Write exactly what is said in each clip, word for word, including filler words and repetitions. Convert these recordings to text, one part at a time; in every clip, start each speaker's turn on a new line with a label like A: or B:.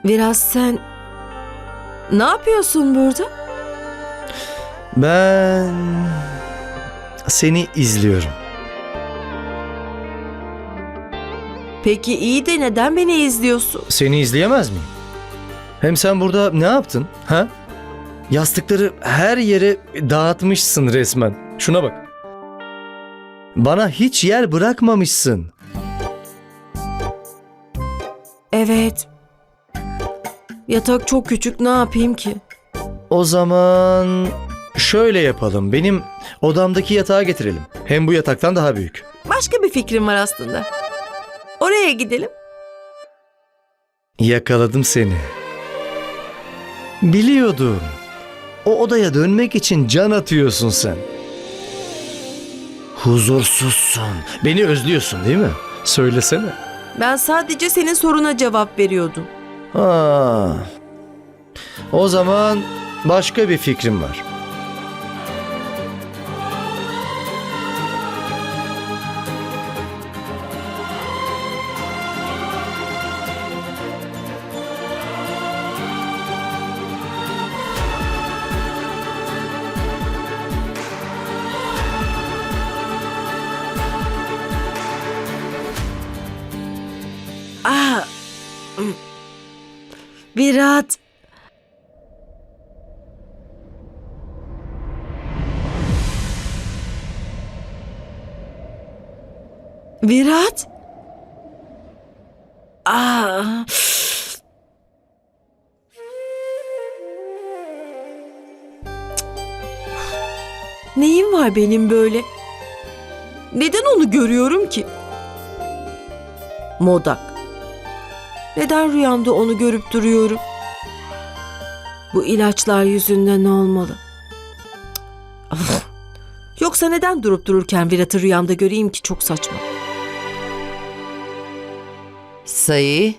A: Biraz sen ne yapıyorsun burada?
B: Ben seni izliyorum.
A: Peki iyi de neden beni izliyorsun?
B: Seni izleyemez miyim? Hem sen burada ne yaptın? Ha? Yastıkları her yere dağıtmışsın resmen. Şuna bak. Bana hiç yer bırakmamışsın.
A: Evet. Yatak çok küçük, ne yapayım ki?
B: O zaman şöyle yapalım. Benim odamdaki yatağı getirelim. Hem bu yataktan daha büyük.
A: Başka bir fikrim var aslında. Oraya gidelim.
B: Yakaladım seni. Biliyordum. O odaya dönmek için can atıyorsun sen. Huzursuzsun. Beni özlüyorsun değil mi? Söylesene.
A: Ben sadece senin soruna cevap veriyordum.
B: Ha. O zaman başka bir fikrim var.
A: Ah. Virat. Virat. Ah. Neyim var benim böyle? Neden onu görüyorum ki? Modak. Neden rüyamda onu görüp duruyorum? Bu ilaçlar yüzünden olmalı. Of. Yoksa neden durup dururken Virat'ı rüyamda göreyim ki, çok saçma.
C: Sayı.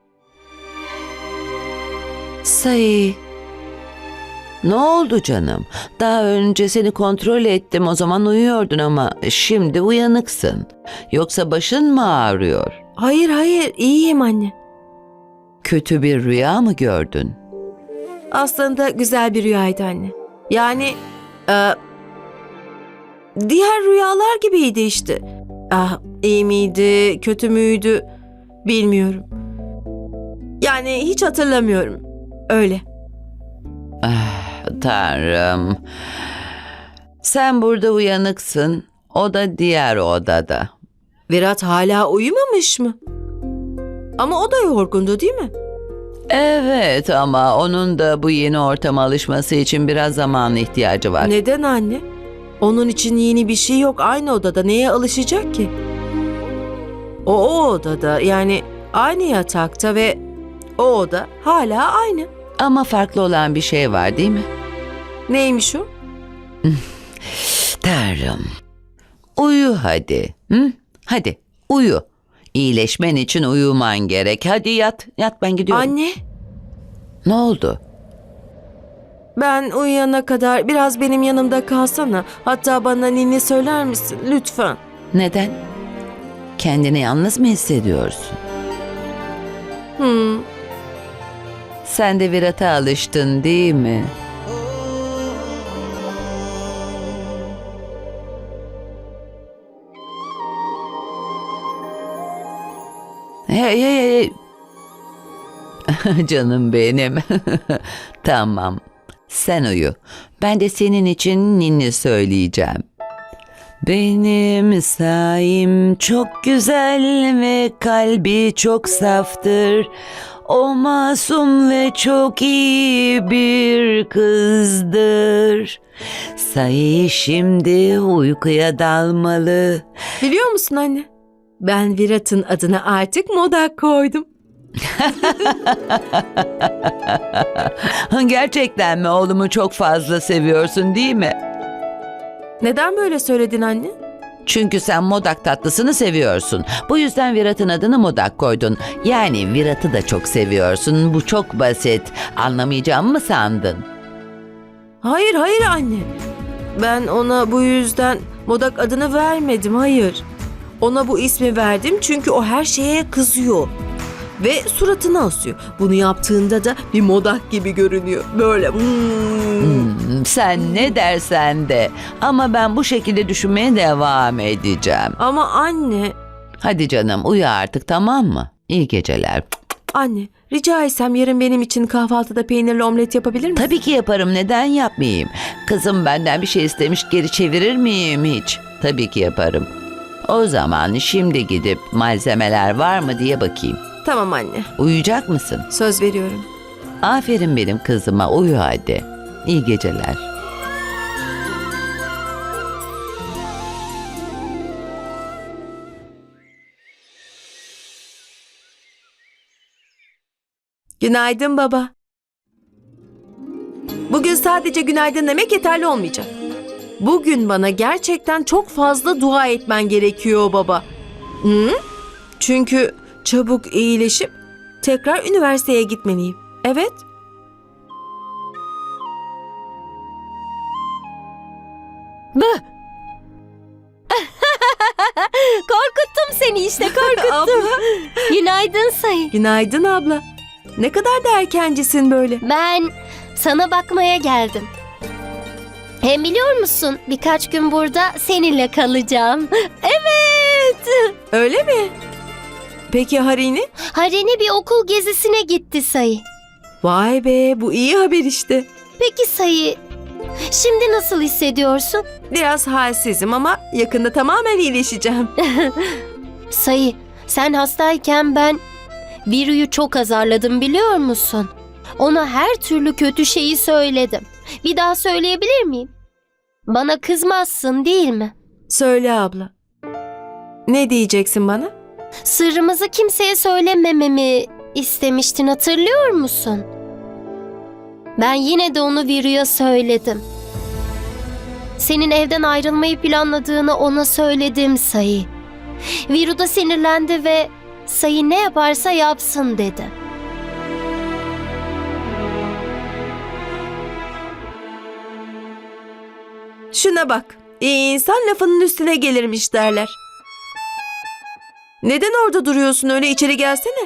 C: Sayı. Ne oldu canım? Daha önce seni kontrol ettim, o zaman uyuyordun ama şimdi uyanıksın. Yoksa başın mı ağrıyor?
A: Hayır hayır, iyiyim anne.
C: Kötü bir rüya mı gördün?
A: Aslında güzel bir rüyaydı anne. Yani e, diğer rüyalar gibiydi işte. Ah, iyi miydi, kötü müydü bilmiyorum. Yani hiç hatırlamıyorum. Öyle.
C: Ah, Tanrım. Sen burada uyanıksın, o da diğer odada.
A: Virat hala uyumamış mı? Ama o da yorgundu değil mi?
C: Evet ama onun da bu yeni ortama alışması için biraz zaman ihtiyacı var.
A: Neden anne? Onun için yeni bir şey yok. Aynı odada neye alışacak ki? O o odada, yani aynı yatakta ve o oda hala aynı.
C: Ama farklı olan bir şey var değil mi?
A: Neymiş o?
C: Tanrım. Uyu hadi. Hı? Hadi uyu. İyileşmen için uyuman gerek. Hadi yat. Yat, ben gidiyorum.
A: Anne,
C: Ne oldu?
A: ben uyuyana kadar biraz benim yanımda kalsana. Hatta bana ninni söyler misin lütfen?
C: Neden? Kendini yalnız mı hissediyorsun?
A: Hmm.
C: Sen de Virat'a alıştın değil mi? Hey hey hey. Canım benim. Tamam. Sen uyu. Ben de senin için ninni söyleyeceğim. Benim saim çok güzel ve kalbi çok saftır. O masum ve çok iyi bir kızdır. Sayı şimdi uykuya dalmalı.
A: Biliyor musun anne? Ben Virat'ın adına artık Modak koydum.
C: Gerçekten mi? Oğlumu çok fazla seviyorsun değil mi?
A: Neden böyle söyledin anne?
C: Çünkü sen Modak tatlısını seviyorsun. Bu yüzden Virat'ın adını Modak koydun. Yani Virat'ı da çok seviyorsun. Bu çok basit. Anlamayacağımı mı sandın?
A: Hayır hayır anne. Ben ona bu yüzden Modak adını vermedim, hayır. Ona bu ismi verdim çünkü o her şeye kızıyor. ve suratına asıyor. Bunu yaptığında da bir modak gibi görünüyor. Böyle. Hmm.
C: Hmm, sen ne dersen de. Ama ben bu şekilde düşünmeye devam edeceğim.
A: Ama anne,
C: Hadi canım uyu artık, tamam mı? İyi geceler.
A: anne rica etsem yarın benim için kahvaltıda peynirli omlet yapabilir misin?
C: Tabii ki yaparım, neden yapmayayım? Kızım benden bir şey istemiş, geri çevirir miyim hiç? Tabii ki yaparım. O zaman şimdi gidip malzemeler var mı diye bakayım.
A: Tamam anne,
C: Uyuyacak mısın?
A: söz veriyorum.
C: Aferin benim kızıma, uyu hadi. İyi geceler.
A: Günaydın baba. Bugün sadece günaydın demek yeterli olmayacak. Bugün bana gerçekten çok fazla dua etmen gerekiyor baba. Hı? Çünkü çabuk iyileşip tekrar üniversiteye gitmeliyim. Evet.
D: Korkuttum seni işte, korkuttum.
A: Abla.
D: Günaydın Sayı.
A: Günaydın abla. Ne kadar da erkencisin böyle.
D: Ben sana bakmaya geldim. Hem biliyor musun, birkaç gün burada seninle kalacağım. Evet.
A: Öyle mi? Peki Harini?
D: Harini bir okul gezisine gitti Sayı.
A: Vay be, bu iyi haber işte.
D: Peki Sayı, şimdi nasıl hissediyorsun?
A: Biraz halsizim ama yakında tamamen iyileşeceğim.
D: Sayı, sen hastayken ben Viru'yu çok azarladım biliyor musun? Ona her türlü kötü şeyi söyledim. Bir daha söyleyebilir miyim? Bana kızmazsın değil mi?
A: Söyle abla. Ne diyeceksin bana?
D: Sırrımızı kimseye söylemememi istemiştin, hatırlıyor musun? Ben yine de onu Viru'ya söyledim. Senin evden ayrılmayı planladığını ona söyledim Sayı. Viru da sinirlendi ve Sayı ne yaparsa yapsın dedi.
A: Şuna bak. İyi insan lafının üstüne gelirmiş derler. Neden orada duruyorsun öyle, içeri gelsene.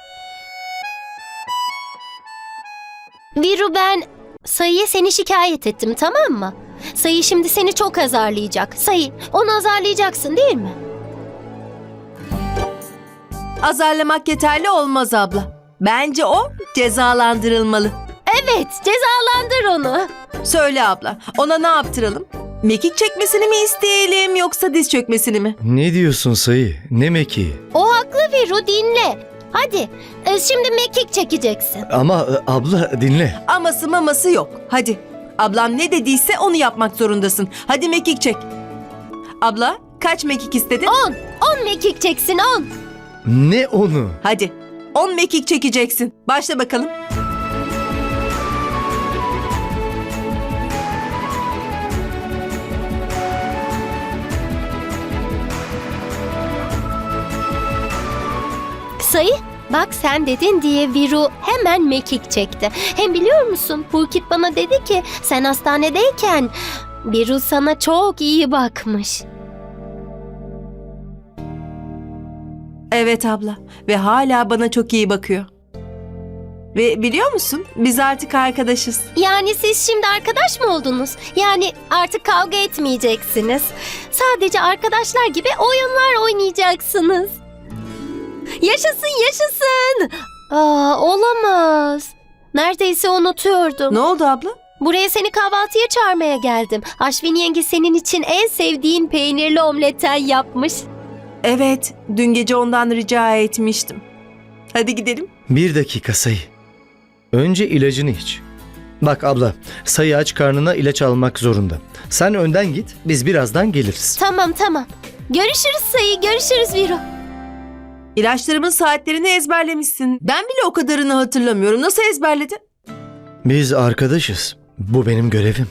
D: Viru, ben Sayı'ya seni şikayet ettim, tamam mı? Sayı şimdi seni çok azarlayacak. Sayı, onu azarlayacaksın değil mi?
A: Azarlamak yeterli olmaz abla. Bence o cezalandırılmalı.
D: Evet, cezalandır onu.
A: Söyle abla, ona ne yaptıralım? Mekik çekmesini mi isteyelim yoksa diz çökmesini mi?
B: Ne diyorsun Sayı? Ne mekiği?
D: O haklı Viru, dinle. Hadi, e, şimdi mekik çekeceksin.
B: Ama e, abla dinle.
A: Aması maması yok. Hadi. Ablam ne dediyse onu yapmak zorundasın. Hadi mekik çek. Abla, kaç mekik istedin?
D: On, on mekik çeksin, on.
B: Ne onu?
A: Hadi. On mekik çekeceksin. Başla bakalım.
D: Sayı, bak sen dedin diye Viru hemen mekik çekti. Hem biliyor musun, Pulkit bana dedi ki sen hastanedeyken Viru sana çok iyi bakmış.
A: Evet abla. Ve hala bana çok iyi bakıyor. Ve biliyor musun? Biz artık arkadaşız.
D: Yani siz şimdi arkadaş mı oldunuz? Yani artık kavga etmeyeceksiniz. Sadece arkadaşlar gibi oyunlar oynayacaksınız. Yaşasın, yaşasın. Aa, olamaz. Neredeyse unutuyordum.
A: Ne oldu abla?
D: Buraya seni kahvaltıya çağırmaya geldim. Aşvin yenge senin için en sevdiğin peynirli omletten yapmış.
A: Evet. Dün gece ondan rica etmiştim. Hadi gidelim.
B: Bir dakika Sayı. Önce ilacını iç. Bak abla, Sayı aç karnına ilaç almak zorunda. Sen önden git, biz birazdan geliriz.
D: Tamam tamam. Görüşürüz Sayı, görüşürüz Viru.
A: İlaçlarımın saatlerini ezberlemişsin. Ben bile o kadarını hatırlamıyorum. Nasıl ezberledin?
B: Biz arkadaşız. Bu benim görevim.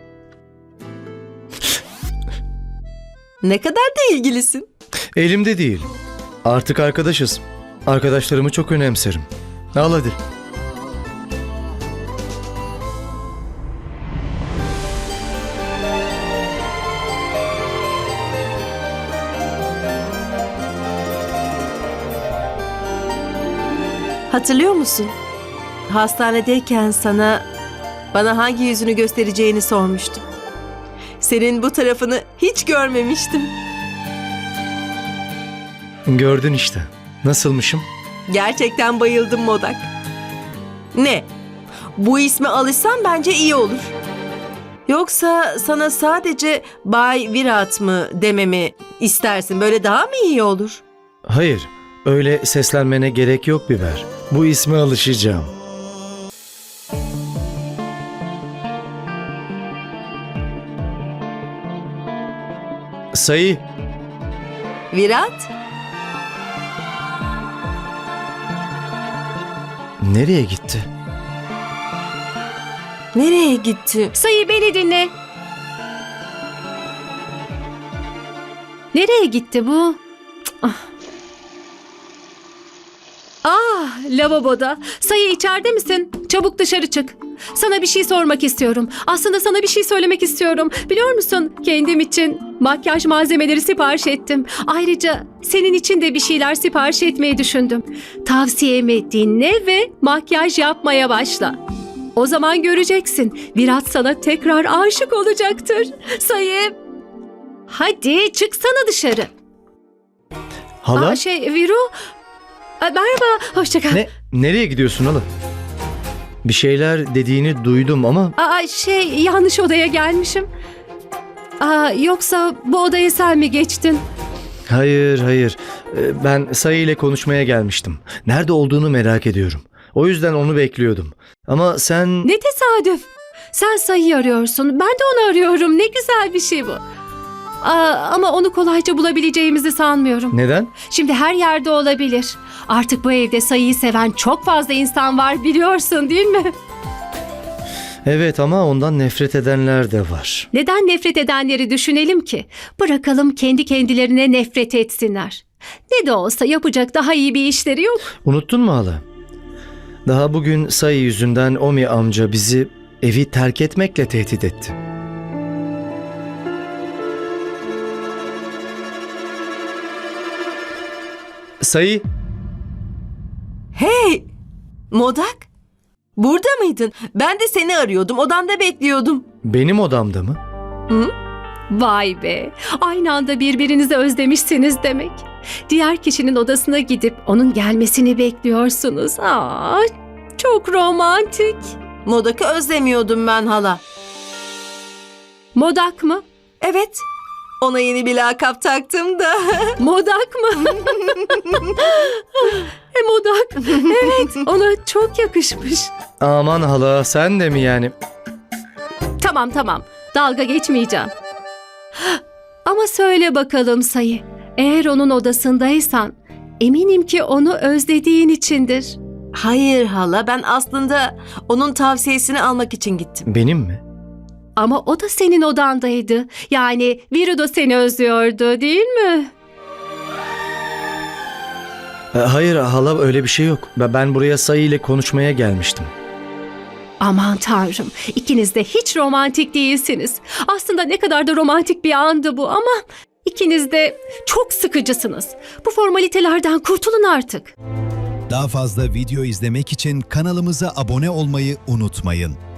A: Ne kadar da ilgilisin.
B: Elimde değil. Artık arkadaşız. Arkadaşlarımı çok önemserim. Al hadi.
A: Hatırlıyor musun? Hastanedeyken sana bana hangi yüzünü göstereceğini sormuştum. Senin bu tarafını hiç görmemiştim.
B: Gördün işte. Nasılmışım?
A: Gerçekten bayıldım Modak. Ne? Bu isme alışsam bence iyi olur. Yoksa sana sadece Bay Virat mı dememi istersin? Böyle daha mı iyi olur?
B: Hayır, öyle seslenmene gerek yok Biber. Bu isme alışacağım. Sayı,
A: Virat?
B: nereye gitti?
A: Nereye gitti?
E: Sayı beni dinle. Nereye gitti bu? Cık, Ah, Ah, lavaboda. Sayı içeride misin? Çabuk dışarı çık. Sana bir şey sormak istiyorum. Aslında sana bir şey söylemek istiyorum. Biliyor musun? Kendim için makyaj malzemeleri sipariş ettim. Ayrıca senin için de bir şeyler sipariş etmeyi düşündüm. Tavsiyemi dinle ve makyaj yapmaya başla. O zaman göreceksin. Virat sana tekrar aşık olacaktır. Sayı. Hadi çıksana dışarı.
B: Hala?
E: Aa, şey Viru. Aa, merhaba. Hoşça kal.
B: Ne? Nereye gidiyorsun hala? Bir şeyler dediğini duydum ama
E: Aa, şey yanlış odaya gelmişim. Aa, yoksa bu odaya sen mi geçtin?
B: hayır hayır. Ee, Ben Sayı ile konuşmaya gelmiştim. Nerede olduğunu merak ediyorum. O yüzden onu bekliyordum. Ama sen...
E: Ne tesadüf. Sen Sayı'yı arıyorsun. Ben de onu arıyorum. Ne güzel bir şey bu. Aa, ama onu kolayca bulabileceğimizi sanmıyorum.
B: Neden?
E: Şimdi her yerde olabilir. Artık bu evde Sayı'yı seven çok fazla insan var, biliyorsun değil mi?
B: Evet ama ondan nefret edenler de var.
E: Neden nefret edenleri düşünelim ki? Bırakalım kendi kendilerine nefret etsinler. Ne de olsa yapacak daha iyi bir işleri yok.
B: Unuttun mu hala? Daha bugün Sayı yüzünden Omi amca bizi evi terk etmekle tehdit etti. Sayı,
A: Hey! Modak? Burada mıydın? Ben de seni arıyordum. Odanda bekliyordum.
B: benim odamda mı?
E: Vay be! Aynı anda birbirinizi özlemişsiniz demek. Diğer kişinin odasına gidip onun gelmesini bekliyorsunuz. Aa, çok romantik.
A: Modak'ı özlemiyordum ben hala.
E: Modak mı?
A: Evet. Ona yeni bir lakap taktım da.
E: Modak mı? e, Modak. Evet, ona çok yakışmış.
B: Aman hala, sen de mi yani?
E: Tamam tamam, dalga geçmeyeceğim. Ama söyle bakalım Sayı, eğer onun odasındaysan eminim ki onu özlediğin içindir.
A: Hayır hala, ben aslında onun tavsiyesini almak için gittim.
B: Benim mi?
E: Ama o da senin odandaydı. Yani Viru da seni özlüyordu, değil mi?
B: E, Hayır hala, öyle bir şey yok. Ben ben buraya Sayı ile konuşmaya gelmiştim.
E: Aman tanrım, ikiniz de hiç romantik değilsiniz. Aslında ne kadar da romantik bir andı bu ama ikiniz de çok sıkıcısınız. Bu formalitelerden kurtulun artık.
F: Daha fazla video izlemek için kanalımıza abone olmayı unutmayın.